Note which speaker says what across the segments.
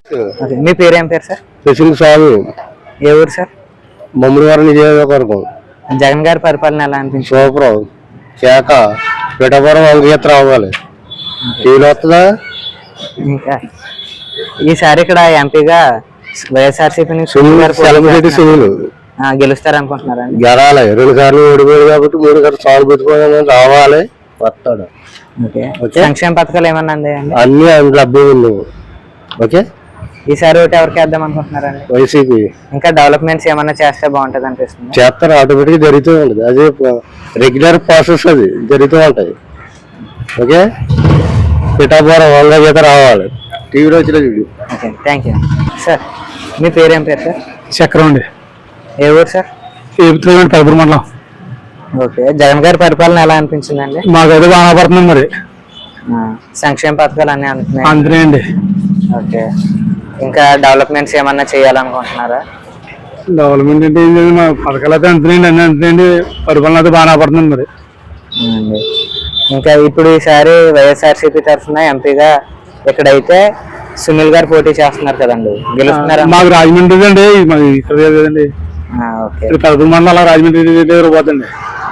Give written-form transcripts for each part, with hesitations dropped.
Speaker 1: మీ పేరు ఏం పేరు సార్?
Speaker 2: శశింగ్ స్వామి.
Speaker 1: ఏ ఊరు సార్?
Speaker 2: మమ్మడివారి నియోజకవర్గం.
Speaker 1: జగన్ గారి పరిపాలన ఎలా అనిపించింది?
Speaker 2: సూపర్. చేక పిఠాపురం అంగీత రావాలి. టీవీలో వస్తుందా?
Speaker 1: ఇంకా ఈసారి ఇక్కడ ఎంపీగా వైఎస్ఆర్సీపీ
Speaker 2: సునీల్
Speaker 1: గెలుస్తారు అనుకుంటున్నారా?
Speaker 2: గెలాలి. 2 సార్లు ఓడిపోయాడు కాబట్టి 3 సార్లు సాగు పెట్టుకోవాలని రావాలి. వస్తాడు.
Speaker 1: సంక్షేమ పథకాలు ఏమన్నా అందాయండి?
Speaker 2: అన్ని లభ్యం ఉంది. ఓకే.
Speaker 1: ఈసారి ఒకటి ఎవరికి వేద్దాం అనుకుంటున్నారండి?
Speaker 2: వైసీపీ.
Speaker 1: ఇంకా డెవలప్మెంట్స్ ఏమన్నా చేస్తే బాగుంటది అనిపిస్తుంది.
Speaker 2: చేస్తారు. ఆటోమేటిక్ జరుగుతూ ఉంటుంది. అదే రెగ్యులర్ ప్రాసెస్ అది జరుగుతూ ఉంటాయి. ఓకే. పిఠాపురం వంగ రావాలి. టీవీలో వచ్చిన video.
Speaker 1: Okay, thank you sir. మీ పేరు ఏం పేరు సార్?
Speaker 2: చక్రం అండి.
Speaker 1: ఏ ఊరు సార్?
Speaker 2: పెదపూర్ మండలం.
Speaker 1: ఓకే, జగన్ గారి పరిపాలన ఎలా అనిపించిందండి?
Speaker 2: మాకైతే బాగా పడుతుంది. మరి
Speaker 1: సంక్షేమ పథకాలు అన్నీ అందుతున్నాయి?
Speaker 2: అందుతున్నాయండి.
Speaker 1: ఓకే, ఇంకా డెవలప్మెంట్స్ ఏమన్నా చేయాలనుకుంటున్నారా?
Speaker 2: డెవలప్మెంట్ అంటే ఏం లేదు. మా పథకాలు అయితే అంతున్నాయండి. అన్నీ అంతున్నాయండి. పరిపాలన అయితే బాగా పడుతుంది. మరి
Speaker 1: ఇంకా ఇప్పుడు ఈసారి వైఎస్ఆర్సీపీ తరఫున ఎంపీగా ఇక్కడైతే సునీల్ గారు పోటీ చేస్తున్నారు కదండి, గెలుస్తున్నారా?
Speaker 2: మాకు రాజమండ్రి అండి. ఇక్కడ లేదండి. పెదపూర్ మండలం రాజమండ్రి దగ్గర పోతండి.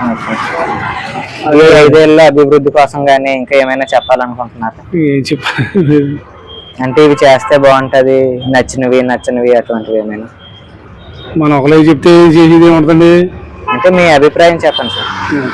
Speaker 1: 5 ఏళ్ళ అభివృద్ధి కోసం గానీ ఇంకా ఏమైనా చెప్పాలనుకుంటున్నారు?
Speaker 2: ఏం చెప్పాలి
Speaker 1: అంటే ఇవి చేస్తే బాగుంటది, నచ్చినవి అటువంటివి ఏమైనా
Speaker 2: మనం ఒకలే చెప్తే చేసేది ఏముంటుందండి?
Speaker 1: అంటే మీ అభిప్రాయం చెప్పండి సార్.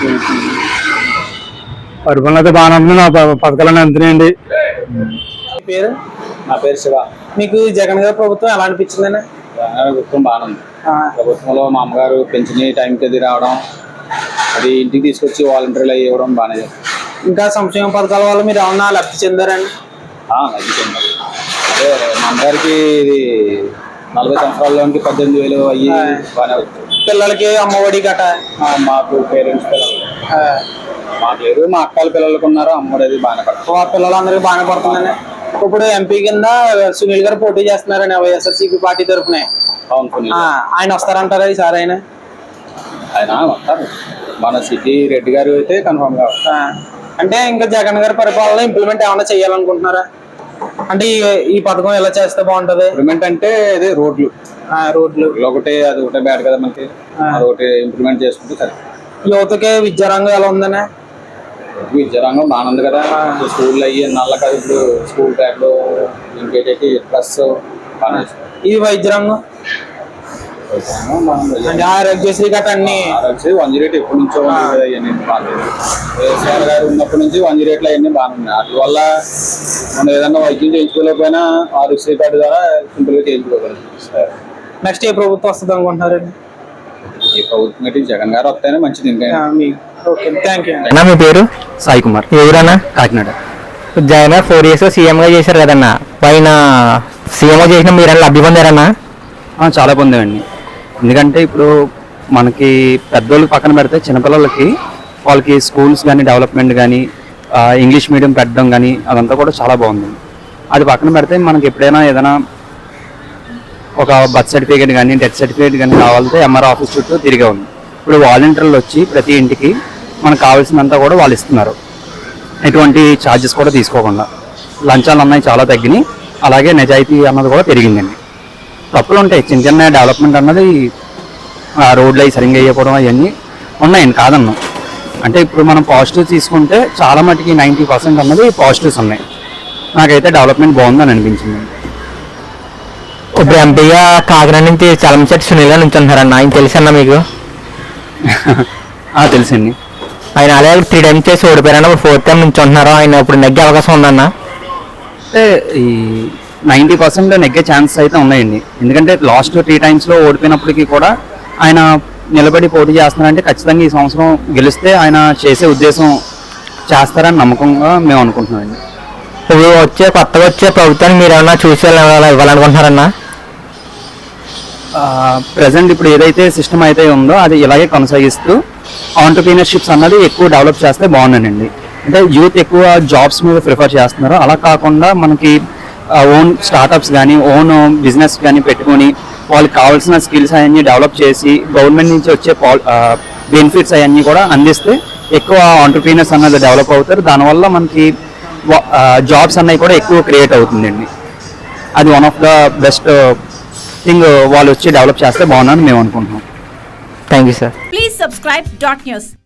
Speaker 2: పరిపాలన అయితే బాగానే ఉంటుంది. నా పథకాలన్నీ అంతున్నాయండి.
Speaker 3: పేరు? నా పేరు శివ. మీకు జగన్ గారి ప్రభుత్వం ఎలా అనిపించిందని? జగన్ గారి ప్రభుత్వం బాగానే ఉంది. ప్రభుత్వంలో మా అమ్మగారు పెన్షన్ టైంకి అది రావడం, అది ఇంటికి తీసుకొచ్చి వాలంటీర్లు అవి ఇవ్వడం బాగానే చేస్తారు. ఇంకా సంక్షేమ పథకాల వల్ల మీరు ఏమన్నా లబ్ధి చెందారండి? లబ్ధి చెందారు. అదే మా అమ్మగారికి ఇది 40 సంవత్సరాల్లోనికి 18,000 అయ్యి బాగానే వచ్చాయి. పిల్లలకి అమ్మఒడి గట మాకు పేరెంట్స్ పిల్లలు మాకు లేదు. మా అక్కల పిల్లలకు ఉన్నారు. అమ్మఒడి అది బాగానే పడుతుంది. ఆ పిల్లలందరికీ బాగానే పడుతుందని. ఇప్పుడు ఎంపీ కింద సునీల్ గారు పోటీ చేస్తున్నారని వైఎస్ఆర్సీపీ పార్టీ తరఫున. ఆయన వస్తారంటారా ఈసారి? ఆయన వస్తారు. మన సిటీ రెడ్డి గారు అయితే కన్ఫర్మ్ గా. అంటే ఇంకా జగన్ గారి పరిపాలన ఇంప్లిమెంట్ ఏమైనా చేయాలనుకుంటున్నారా? అంటే ఈ పథకం ఎలా చేస్తే బాగుంటది? ఇంప్లిమెంట్ అంటే అదే రోడ్లు ఒకటే, అది ఒకటే బ్యాడ్ కదా మనకి. అదొకటి ఇంప్లిమెంట్ చేసుకుంటే సరే. యువతకి విద్యారంగం ఎలా ఉందనే? విద్యారంగం బాగానే ఉంది కదా. స్కూల్లో అయ్యి నల్ల కదా ఇప్పుడు స్కూల్ బ్యాగ్లు ఇంకేటి డ్రెస్ బాగా. ఇది వైద్య రంగం అంటే ఆరోగ్యశ్రీ గట్రా అన్ని 108 ఎప్పటి నుంచో వైఎస్ఆర్ గారు ఉన్నప్పటి నుంచి 108 అవన్నీ బాగానే ఉన్నాయి. వాటి వల్ల మనం ఏదన్నా వైద్యం చేయించుకోలేకపోయినా ఆరోగ్యశ్రీ కార్డు ద్వారా సింపుల్ గా చేయించుకోగలుగుతాం. నెక్స్ట్ ఏ ప్రభుత్వం వస్తుంది అనుకుంటున్నారండి? ఈ ప్రభుత్వం అంటే జగన్ గారు వస్తేనే మంచిది. ఇంకా
Speaker 1: మీ పేరు?
Speaker 4: సాయి కుమార్.
Speaker 1: ఎవరన్నా?
Speaker 4: కాకినాడ.
Speaker 1: జగన్ 4 years సీఎం గా చేశారు కదన్నా, పైన సీఎం గా చేసిన మీరు లబ్ధి పొందారన్నా?
Speaker 4: చాలా పొందామండి. ఎందుకంటే ఇప్పుడు మనకి పెద్దోళ్ళకి పక్కన పెడితే చిన్నపిల్లలకి వాళ్ళకి స్కూల్స్ కానీ డెవలప్మెంట్ కానీ ఇంగ్లీష్ మీడియం పెట్టడం కానీ అదంతా కూడా చాలా బాగుంది. అది పక్కన పెడితే మనకి ఎప్పుడైనా ఏదైనా ఒక బర్త్ సర్టిఫికేట్ కానీ డెత్ సర్టిఫికేట్ కానీ కావాలంటే ఎంఆర్ ఆఫీస్ చుట్టూ తిరిగే ఉంది. ఇప్పుడు వాలంటీర్లు వచ్చి ప్రతి ఇంటికి మనకు కావాల్సినంతా కూడా వాళ్ళు ఇస్తున్నారు, ఎటువంటి ఛార్జెస్ కూడా తీసుకోకుండా. లంచాలు అన్నవి చాలా తగ్గినాయి. అలాగే నిజాయితీ అన్నది కూడా పెరిగిందండి. తప్పులు ఉంటాయి, చిన్న డెవలప్మెంట్ అన్నది రోడ్లు అవి సరిగ్గా వేయకపోవడం అవన్నీ ఉన్నాయండి, కాదన్నాం. అంటే ఇప్పుడు మనం పాజిటివ్ తీసుకుంటే చాలా మటుకి 90% అన్నది పాజిటివ్స్ ఉన్నాయి. నాకైతే డెవలప్మెంట్ బాగుందని అనిపించింది.
Speaker 1: ఇప్పుడు ఎంపీగా కాకినాడ నుంచి చలంశెట్టి సునీల్ గారు నుంచి ఉంటున్నారన్న, ఆయన తెలుసన్నా మీకు?
Speaker 4: తెలుసండి.
Speaker 1: ఆయన అలాగే 3 times చేసి ఓడిపోయారన్న, 4th time నుంచి ఉంటున్నారు. ఆయన ఇప్పుడు నెగ్గే అవకాశం ఉందన్న?
Speaker 4: అంటే ఈ 90% నెగ్గే ఛాన్సెస్ అయితే ఉన్నాయండి. ఎందుకంటే లాస్ట్ 3 times ఓడిపోయినప్పటికీ కూడా ఆయన నిలబడి పోటీ చేస్తున్నారంటే ఖచ్చితంగా ఈ సంవత్సరం గెలిస్తే ఆయన చేసే ఉద్దేశం చేస్తారని నమ్మకంగా మేము అనుకుంటున్నామండి.
Speaker 1: ఇప్పుడు కొత్తగా వచ్చే ప్రభుత్వాన్ని మీరు ఏమన్నా చూసి ఇవ్వాలనుకుంటున్నారన్నా?
Speaker 4: ప్రజెంట్ ఇప్పుడు ఏదైతే సిస్టమ్ అయితే ఉందో అది ఇలాగే కొనసాగిస్తూ ఆంటర్‌ప్రెన్యూర్‌షిప్స్ అన్నది ఎక్కువ డెవలప్ చేస్తే బాగుంటుందండి. అంటే యూత్ ఎక్కువ జాబ్స్ మీద ప్రిఫర్ చేస్తున్నారు. అలా కాకుండా మనకి ఓన్ స్టార్టప్స్ కానీ ఓన్ బిజినెస్ కానీ పెట్టుకొని వాళ్ళకి కావాల్సిన స్కిల్స్ అవన్నీ డెవలప్ చేసి గవర్నమెంట్ నుంచి వచ్చే బెనిఫిట్స్ అవన్నీ కూడా అందిస్తే ఎక్కువ ఆంటర్‌ప్రెన్యూర్స్ అన్నది డెవలప్ అవుతారు. దానివల్ల మనకి జాబ్స్ అన్నవి కూడా ఎక్కువ క్రియేట్ అవుతుందండి. అది one of the best thing వాళ్ళు వచ్చి డెవలప్ చేస్తే బాగుందని మేము అనుకుంటున్నాం.
Speaker 1: Thank you sir.
Speaker 5: Please subscribe dot news.